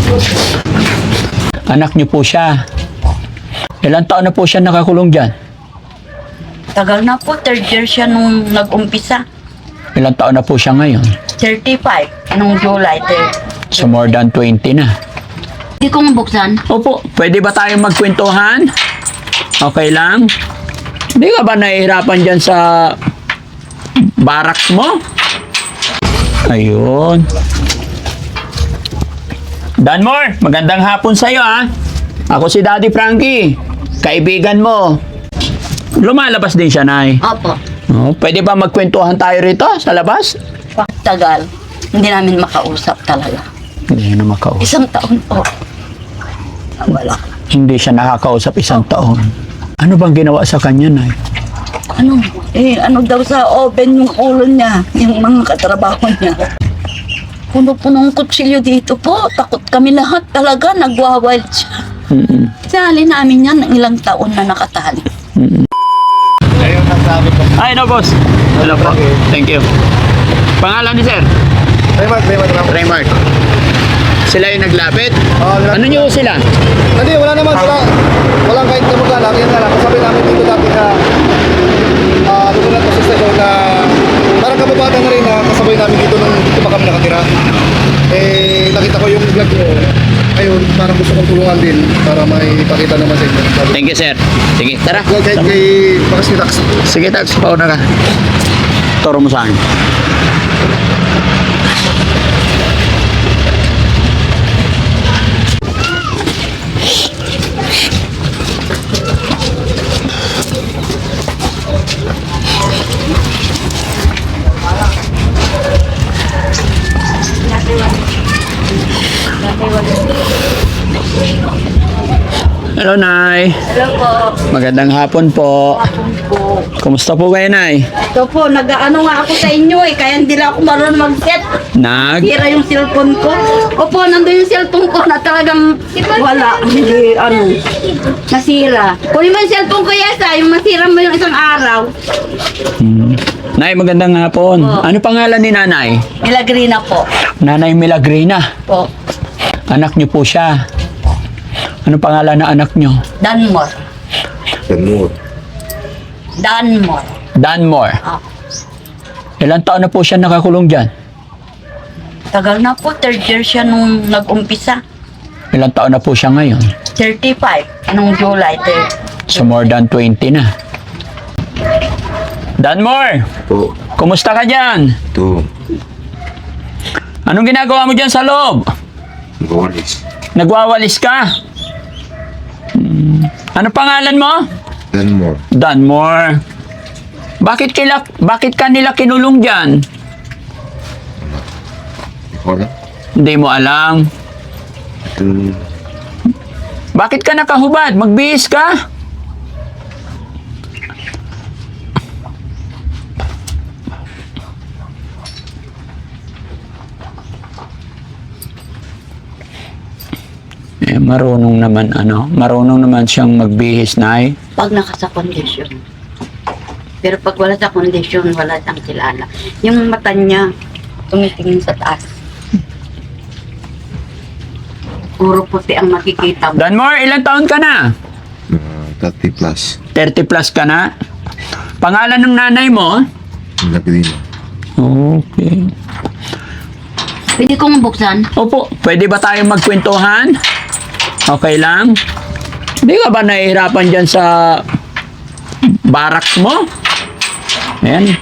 Anak niyo po siya. Ilang taon na po siya nakakulong dyan? Tagal na po, third year siya nung nag-umpisa. Ilang taon na po siya ngayon? 35, nung July 3. So more than 20 na. Hindi ko mabuksan. Opo, pwede ba tayong magkwentuhan? Okay lang? Hindi ka ba nahihirapan dyan sa barracks mo? Ayun. Danmore, magandang hapon sa'yo ah. Ako si Daddy Frankie, kaibigan mo. Lumalabas din siya, Nay. Opo. Oh, pwede ba magkwentuhan tayo rito sa labas? Tagal. Hindi namin makausap talaga. Hindi na makausap. Isang taon po. Wala. Hindi siya nakakausap isang taon. Ano bang ginawa sa kanya, Nay? Ano daw sa oven yung ulo niya, yung mga katrabaho niya. Puno-punong kutsilyo dito po. Takot kami lahat talaga. Nagwawild siya. Sali namin yan ng ilang taon na nakatali. Ay, no, boss. Hello po. Thank you. Pangalan ni sir? Raymart. Sila yung naglapit? Ano nyo sila? Hindi, wala naman sila. Walang kahit kamag-anak. Yan na lang. Kasabi namin dito dati na lumunod ko sa stasyon na parang kababata na rin na kasabay namin dito nung dito pa kami nakatira. Eh, nakita ko yung vlog nyo. Ayun, parang gusto kong tulungan din para may ipakita naman sa inyo. Thank you, sir. Sige, tara. Well, kay Bakas ni Tax. Sige, Tax. Pauna ka. Turo mo sa akin. Hello, Nay. Hello po. Magandang hapon po. Po. Kumusta po kayo, Nay? Ito po, nag-ano nga ako sa inyo kaya hindi lang ako marunong mag-set. Sira yung cellphone ko. Opo, nandun yung cellphone ko na talagang wala. Hindi, nasira. Kunin mo yung cellphone ko, Yesa, yung masira mo yung isang araw. Nay, magandang hapon. Po. Ano pangalan ni Nanay? Milagrina po. Nanay Milagrina. Po. Anak niyo po siya. Ano pangalan na anak niyo? Danmore. Danmore. Ah. Ilang taon na po siya nakakulong dyan? Tagal na po, third year siya nung nag-umpisa. Ilang taon na po siya ngayon? 35, nung July 3. So more than 20 na. Danmore, Po. kumusta ka dyan? Ito. Anong ginagawa mo dyan sa loob? Bawalis. Nagwawalis ka? Ano pangalan mo? Danmore. Danmore. Bakit ka nila kinulong dyan? Wala. Hindi mo alam. Ito. Bakit ka nakahubad? Magbihis ka? Marunong naman siyang magbihis, Nay. Pag nakasa kondisyon. Pero pag wala sa kondisyon, wala siyang kilala. Yung mata niya, tumitingin sa taas. Puro puti ang makikita mo. Danmore, ilang taon ka na? 30 plus. 30 plus ka na? Pangalan ng nanay mo? Milagrina. Okay. Pwede kong buksan? Opo, pwede ba tayong magkwentuhan? Okay lang? Hindi ka ba nahihirapan dyan sa barracks mo? Ayan.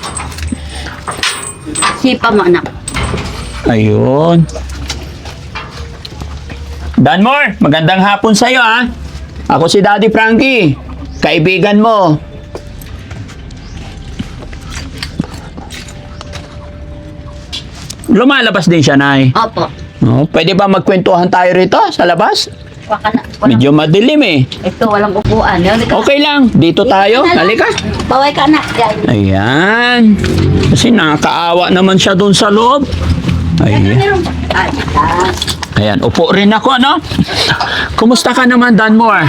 Sipa mo, anak. Ayun. Danmore, magandang hapon sa'yo ah. Ako si Daddy Frankie, kaibigan mo. Lumalabas din siya, Nay. Opo. Oh, pwede ba magkwentuhan tayo rito sa labas? Baka na. Walang, Medyo madilim eh. ito, walang upuan. Okay lang, dito tayo. Halika. Baway ka, anak. Yan. Ayan. Kasi nakakaawa naman siya doon sa loob. Ayan. Ay, Ayan, upo rin ako, ano? Kumusta ka naman, Danmore?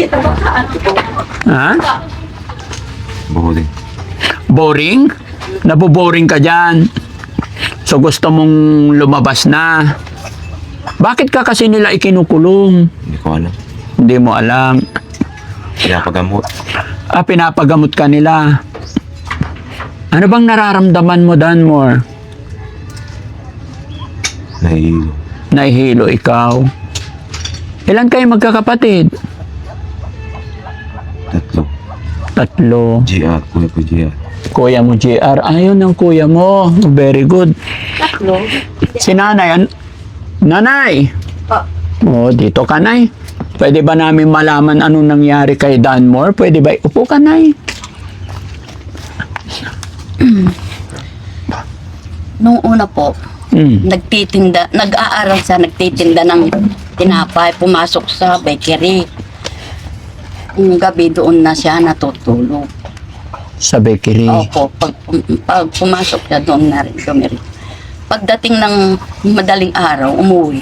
Ha? Bawalis. Boring? Naboboring ka dyan. So gusto mong lumabas na. Bakit ka kasi nila ikinukulong? Hindi ko alam. Hindi mo alam. Pinapagamot. Pinapagamot ka nila. Ano bang nararamdaman mo, Danmore? Nahihilo. Nahihilo ikaw. Ilan kayo magkakapatid? 3. 3. GR. Kuya ko GR. Kuya mo, JR. Ayun ang kuya mo. Very good. Tatlo. Si nanay. Nanay! Oh, Oh, dito ka, Nay. Pwede ba namin malaman anong nangyari kay Danmore? Pwede ba? Upo ka, Nay. nung una po, Mm. nag-aaral siya, nagtitinda ng tinapay, pumasok sa bakery. Yung gabi doon na siya natutulog. Sa bakery. Opo, pag pumasok siya doon na rin dumiri. Pagdating ng madaling araw, umuwi.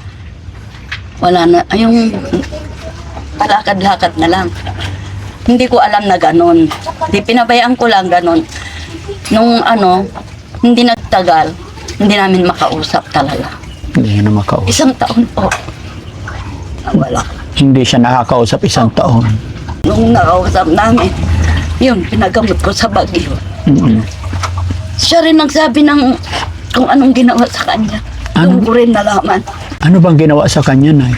Wala na, yung palakad-lakad na lang. Hindi ko alam na ganon. Di pinabayaan ko lang ganon. Nung hindi nagtagal, hindi namin makausap talaga. Hindi na makausap. 1 taon po. Wala. Hindi siya nakakausap 1 taon. Nung nakausap namin, yun, pinagamot ko sa Baguio. Mm-mm. Siya rin nagsabi ng kung anong ginawa sa kanya. Ano? Doon ko rin nalaman. Ano bang ginawa sa kanya, Nay?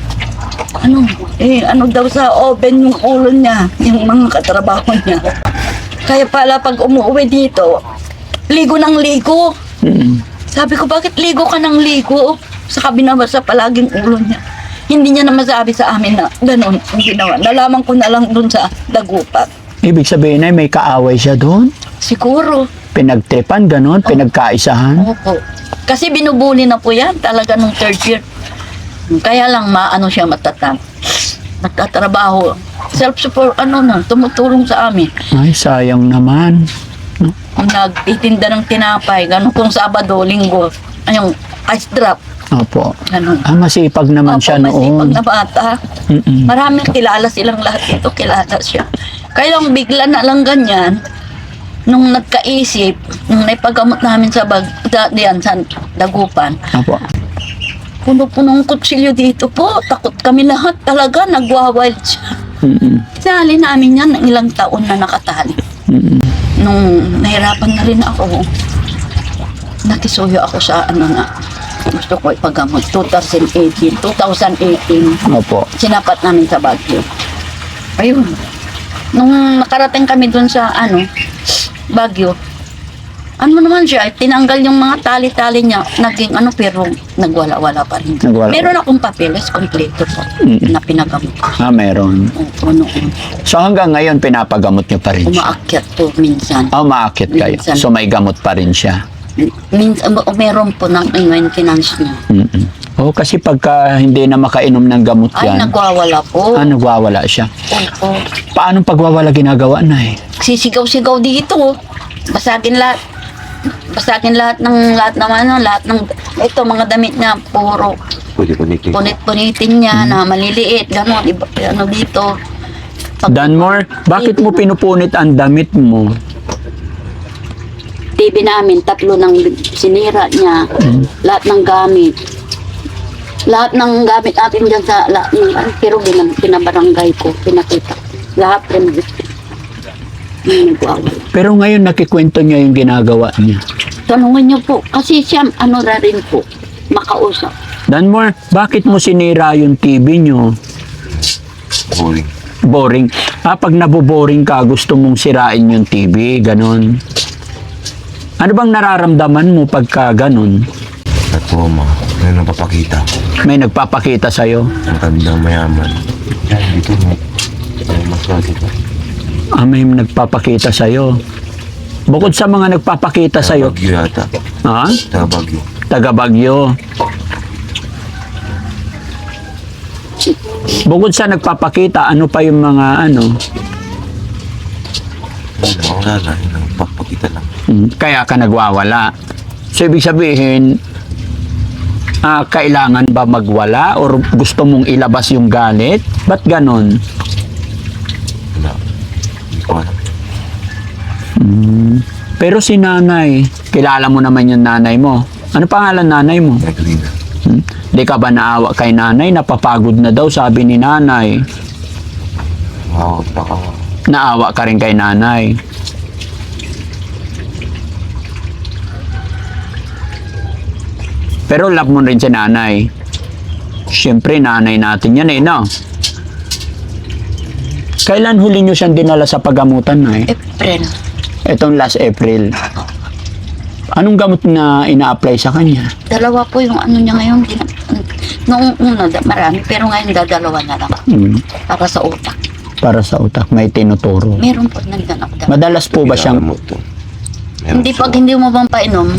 Ano daw sa oven yung ulo niya, yung mga katrabaho niya. Kaya pala pag umuwi dito, ligo ng ligo. Mm-mm. Sabi ko, bakit ligo ka ng ligo? Sa binabasa palaging ulo niya. Hindi niya na masabi sa amin na gano'n ang ginawa. Nalaman ko na lang doon sa dagupan. Ibig sabihin, Nay, may kaaway siya doon? Siguro. Pinagtripan, ganon? Pinagkaisahan? Opo. Kasi binubuli na po yan talaga nung 3rd year. Kaya lang maano siya matatag. Nagtatrabaho. Self-support, tumutulong sa amin. Ay, sayang naman. Nagtitinda ng tinapay, gano'n kung Sabado, Linggo. Yung ice drop, Opo. gano'n. Masipag naman Opo, siya masipag noon. na bata. Mm-mm. Maraming kilala silang lahat dito, kilala siya. Kaya lang bigla na lang ganyan, nung nagkaisip, nung naipagamot namin sa diyan sa dagupan, Opo. puno-punong kutsilyo dito po. Takot kami lahat talaga, nagwa-wild siya. Mm-mm. Sali namin yan ng ilang taon na nakatali. Mm-mm. Nung nahirapan na rin ako, nakisuyo ako sa gusto ko ipagamot. 2018. Opo. Sinapat namin sa Baguio. Ayun. Nung nakarating kami dun sa Baguio, naman siya, tinanggal yung mga tali-tali niya, naging pero nagwala-wala pa rin. Nagwala. Meron akong papeles, kompleto po, Mm. na pinagamot ko. Meron. Opo, noon. So hanggang ngayon, pinapagamot niyo pa rin siya? Umaakyat po minsan. Umaakit kayo. Minsan. So may gamot pa rin siya? Minsan, meron po ng maintenance niya. Mm-mm. Oh, kasi pagka hindi na makainom ng gamot Ay, yan, nagwawala po. nagwawala siya. Opo. Paano pagwawala ginagawa, Nay? Sisigaw-sigaw dito. Basagin lahat. Basagin lahat ng ito, mga damit niya, puro Pwede connecting. punit-punitin niya na maliliit, gano'n, dito. Danmore, bakit mo pinupunit ang damit mo? TV namin, 3 ng sinira niya, lahat ng gamit. Lahat ng gamit natin dyan sa pero pinabarangay ko, pinakita. Lahat rin. Pero ngayon nakikwento niya yung ginagawa niya. Tanungin niyo po, kasi siya, rin po, makausap. Danmore, bakit mo sinira yung TV niyo? Boring. Boring. Pag naboboring ka, gusto mong sirain yung TV, ganon. Ano bang nararamdaman mo pagka ganon? At po, may napapakita. May nagpapakita sa'yo? Matandang mayaman. Yan, dito mo. May maswerte pa. May nagpapakita sa'yo. Bukod sa mga nagpapakita sa'yo, Bagyo yata. ha? Bagyo. Taga Bagyo. Bukod sa nagpapakita, ano pa yung mga Wala na. Nagpapakita lang. kaya ka nagwawala. So, ibig sabihin, kailangan ba magwala or gusto mong ilabas yung galit? Ba't ganon? Wala. Hindi ko alam. Pero si nanay, kilala mo naman yung nanay mo. Ano pangalan nanay mo? Negrina. Di ka ba naawa kay nanay? Napapagod na daw, sabi ni nanay. Baka Naawa ka rin kay nanay. Pero love mo rin si nanay. Siyempre, nanay natin yan eh, no? Kailan huli nyo siyang dinala sa paggamutan, nay? April. Itong last April. Anong gamot na ina-apply sa kanya? Dalawa po yung ano niya ngayon. Noong una, marami. Pero ngayon, dalawa na lang. Para sa utak. Para sa utak, may tinuturo. Meron po nandiyan ako. Madalas po ba siyang... mo to. Meron Hindi siya. pag hindi mo bang painom,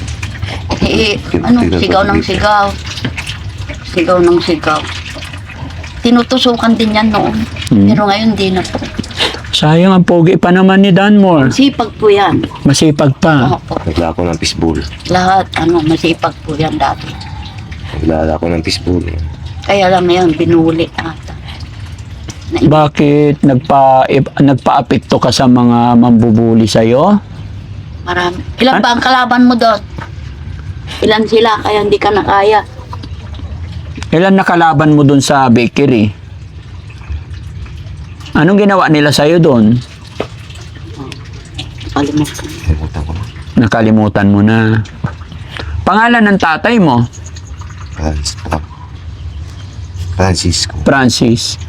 sigaw ng sigaw. Sigaw ng sigaw. Tinutusukan din yan noon. Pero ngayon di na po. Sayang ang pogi pa naman ni Danmore. Sipag po yan. Masipag pa. Opo. Nagla ako ng fishbowl. Lahat, masipag po yan dati. Naglala ako ng fishbowl. Kaya lang ngayon, binuli ata. Bakit nagpa-apekto ka sa mga mambubuli sa'yo? Marami. Ilan ba ang kalaban mo doon? Ilan sila, kaya hindi ka nakaya. Ilan nakalaban mo dun sa bakery? Anong ginawa nila sa'yo dun? Kalimutan. Kalimutan ko na. Nakalimutan mo na. Pangalan ng tatay mo? Francisco. Francis.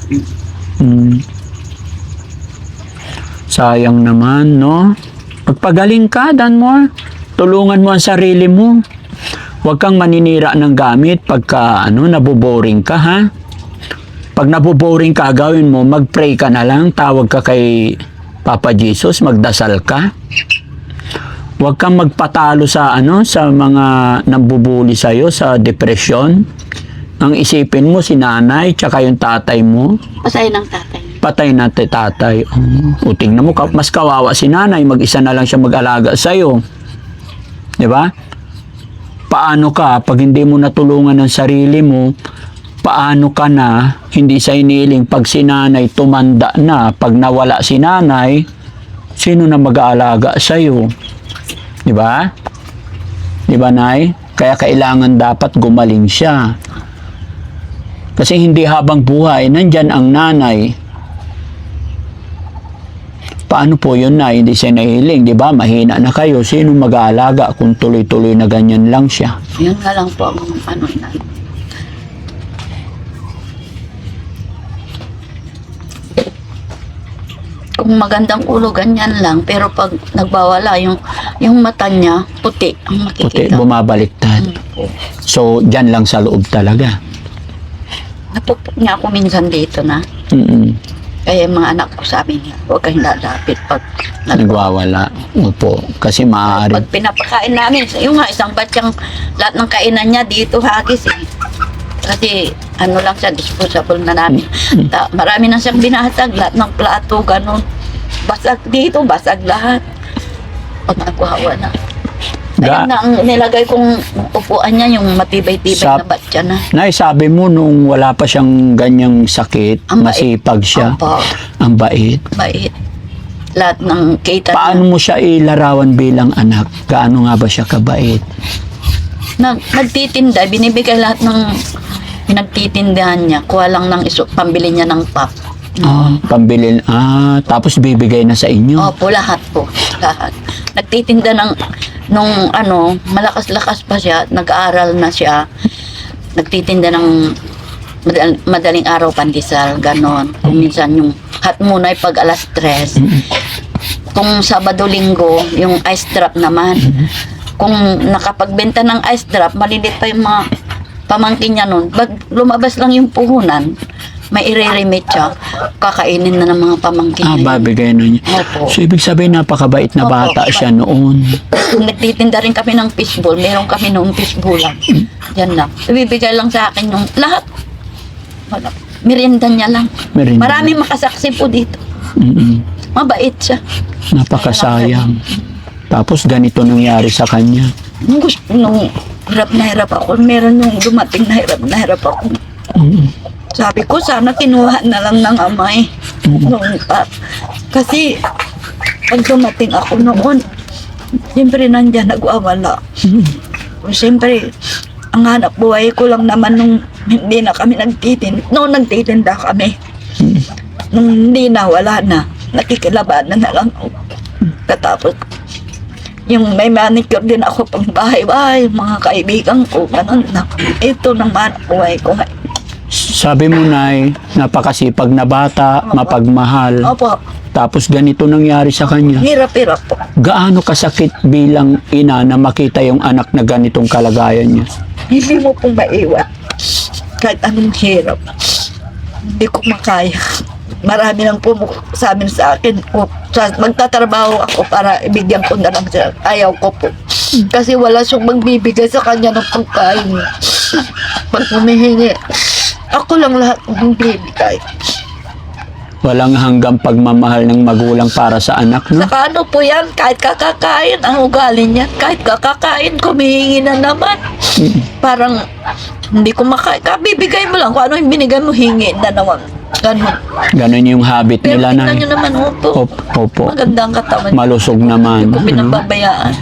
Sayang naman, no? Pagpagaling ka, Danmore. Tulungan mo ang sarili mo. Huwag kang maninira ng gamit pagka naboboring ka, ha? Pag naboboring ka, gawin mo, mag-pray ka na lang, tawag ka kay Papa Jesus, magdasal ka. Huwag kang magpatalo sa sa mga nambubuli sa iyo sa depression. Ang isipin mo si nanay tsaka yung tatay mo, Pasay ng tatay. patay na tatay. O tingnan mo, mas kawawa si nanay, mag-isa na lang siya mag-alaga sa iyo. 'Di ba? Paano ka pag hindi mo natulungan ang sarili mo? Paano ka na hindi sa iniling pag si nanay tumanda na, pag nawala si nanay, sino na mag-aalaga sa iyo? 'Di ba? 'Di ba, nay? Kaya kailangan dapat gumaling siya. Kasi hindi habang buhay nandyan ang nanay. Paano po yun, na hindi siya nahiling, 'di ba? Mahina na kayo, sino mag-aalaga kung tuloy-tuloy na ganyan lang siya? Yun nga lang po ang na. Kung magandang ulo, ganyan lang. Pero pag nagbawala, yung mata niya, puti ang Puti, makikita. bumabaliktad. So, dyan lang sa loob talaga. Napupok niya ako minsan dito na. Mm-mm. Kaya yung mga anak ko sabi niya, huwag kang lalapit pag Nagwawala. Opo. Kasi maaari. Pag pinapakain namin, yung nga isang batyang lahat ng kainan niya dito hagis eh. Kasi lang siya, disposable na namin. Marami na siyang binasag, lahat ng plato, ganun. Basag dito, basag lahat. Pag nagwawa na. Ayun na ang nilagay kong upuan niya, yung matibay-tibay na batya na. Nay, sabi mo nung wala pa siyang ganyang sakit, Ang bait. masipag siya. Opo. Ang bait. Bait. Lahat ng kita Paano mo siya ilarawan bilang anak? Gaano nga ba siya kabait? Nagtitinda, binibigay lahat ng pinagtitindahan niya. Kuha lang ng pambili niya ng pap. Pambili. Tapos bibigay na sa inyo. Opo, lahat po. Lahat. Nagtitinda nung malakas-lakas pa siya, nag-aaral na siya. Nagtitinda ng madaling araw pandesal, ganon. Kung minsan yung hot muna ay pag alas 3. Kung Sabado-Linggo, yung ice drop naman. Kung nakapagbenta ng ice drop, malilit pa yung mga pamangkin niya nun. Pag lumabas lang yung puhunan, may i-remit siya, kakainin na ng mga pamangkin niya. Babigay na niya. Opo. So, ibig sabihin, napakabait na Opo. bata siya noon. Nagtitinda rin kami ng fishbowl. Meron kami noong fishbowl lang. Yan lang. So, bibigay lang sa akin yung lahat. Wala. Merienda niya lang. Merienda. Maraming makasaksi po dito. Mm-mm. Mabait siya. Napakasayang. Tapos, ganito nangyari sa kanya. Nung hirap na hirap ako, meron yung dumating na hirap ako. Sabi ko, sana kinuha na lang ng amay. Noon pa. Kasi, pag dumating ako noon, siyempre nandyan nagwawala. Siyempre, Ang hanap buhay ko lang naman nung hindi na kami noong nagtitinda kami. Nung hindi na, wala na. Nakikilabanan na lang ako. Katapos, yung may manicure din ako pang bahay-bahay, mga kaibigan ko, ganun na. Ito naman ang buhay ko. Sabi mo, Nay, napakasipag na bata, mapagmahal. Opo, Tapos ganito nangyari sa kanya. hirap-hirap po. Gaano kasakit bilang ina na makita yung anak na ganitong kalagayan niya? Hindi mo pong maiwan. Kahit anong hirap. Hindi ko makaya. Marami nang sabi sa akin, magtatrabaho ako para ibigyan ko na lang siya. Ayaw ko po. Kasi wala siyang magbibigay sa kanya ng pagkain. Pag humihingi, ako lang lahat ng bibigay. Walang hanggang pagmamahal ng magulang para sa anak, no? Saka ano po yan, kahit kakakain, ang ugali niya, kahit kakakain, kumihingi na naman. Parang, hindi ko bibigay mo lang, kung ano yung binigay mo, hingi na naman. Ganun. Ganon yung habit Pero nila, tingnan Nay. nyo naman, opo. Opo. Maganda ang katawan. Malusog naman. Hindi ko no? pinababayaan.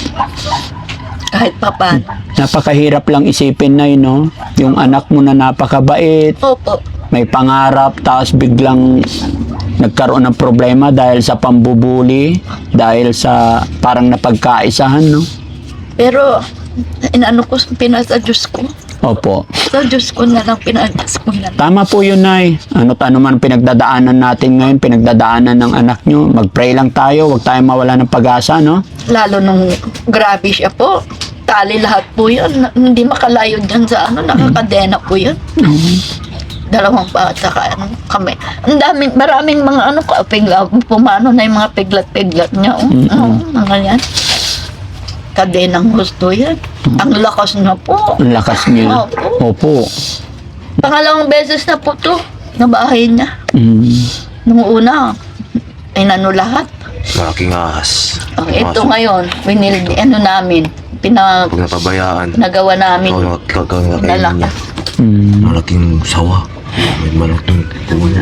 Kahit papan. Napakahirap lang isipin, Nay, no? Yung anak mo na napakabait, Opo. may pangarap, tapos biglang nagkaroon ng problema dahil sa pambubuli, dahil sa parang napagkaisahan, no? Pero, inano ko, pinasa Diyos ko. Opo. Sa Diyos ko na lang, pinasa ko na lang. Tama po yun, Nay. Ano't ano man pinagdadaanan natin ngayon, pinagdadaanan ng anak nyo, mag-pray lang tayo, huwag tayong mawala ng pag-asa, no? Lalo nung grabe siya po. Tali lahat po yun. Hindi makalayo dyan sa nakakadena po yun. Dalawang bata kami. Ang daming, maraming mga pumano na yung mga piglat-piglat niya. Mga yan. Kadenang gusto yan. Ang lakas na po. Ang lakas niya. Opo. Pangalawang beses na po to, na bahay niya. Nung una, inano lahat. Malaking ahas. Ang ito ngayon, namin, Pag napabayaan, nagawa namin. gagawin na kainin niya. Mm. Malaking sawa. May malaking puno.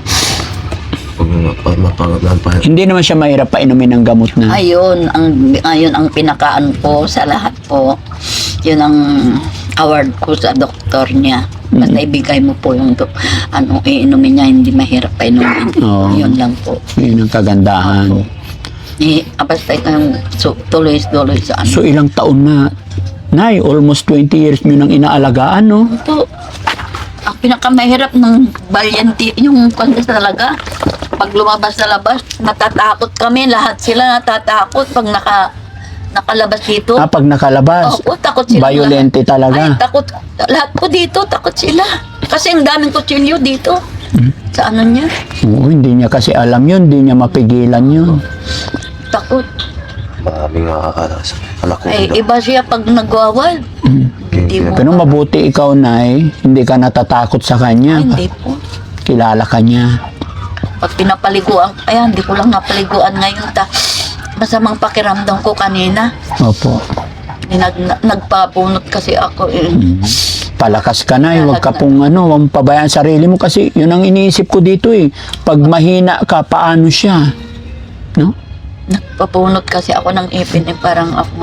Pag mapangat pa. Hindi naman siya mahirap painumin ng gamot na. Ayun ang pinakaan ko sa lahat po. Yun ang award ko sa doktor niya. Basta ibigay mo po yung iinumin niya, hindi mahirap painumin. Oo. Yun lang po. Yun ang kagandahan. Basta yung tuloy-tuloy sa So ilang taon na? Nay, almost 20 years nyo nang inaalagaan, no? Po, ang pinakamahirap ng balyante, yung kanya talaga, pag lumabas sa labas, natatakot kami, lahat sila natatakot pag nakalabas dito. Pag nakalabas, Opo, takot sila. violente Ay, talaga. takot. Lahat po dito, takot sila. Kasi ang daming kutsilyo dito. Sa ano niya, Oo, hindi niya kasi alam yun, hindi niya mapigilan yun. takot. Maraming ahas. Anak ko. Ay, iba siya pag nagwawal. Hindi mo. Pero mabuti ikaw, Nay, hindi ka natatakot sa kanya. Hindi po. Kilala ka niya. Pag pinapaliguan, hindi ko lang napaliguan ngayon. Masamang pakiramdam ko kanina. Opo. Nagpabunot kasi ako. Palakas ka, Nay. Huwag ka pong huwag pabayaan sarili mo kasi yun ang iniisip ko dito eh. Pag mahina ka, paano siya? No? Nagpabunot kasi ako ng ipin parang ako.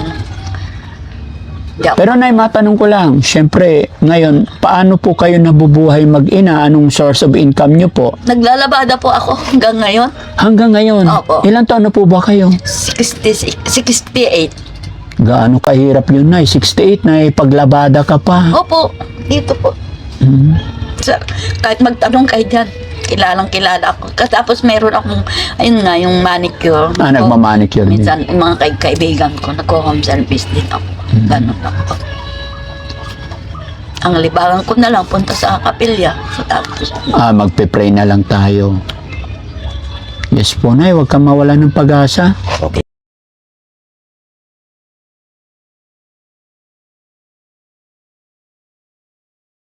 Pero Nay, matanong ko lang, syempre, ngayon, paano po kayo nabubuhay mag-ina? Anong source of income nyo po? Naglalabada po ako hanggang ngayon. Hanggang ngayon, Opo. ilang taon na po ba kayo? 68. Gaano kahirap yun, Nay? 68 na paglabada ka pa. Opo, dito po. Kahit magtanong kayo dyan, kilala ako. Tapos meron akong, ayun nga, yung manicure. Nagmamanicure din. Minsan, yung mga kaibigan ko, nagko-home service din ako. Ganun ako. Ang libangan ko na lang, punta sa kapilya. Tapos, Magpe-pray na lang tayo. Yes po, Nay. Huwag kang mawala ng pag-asa. Okay.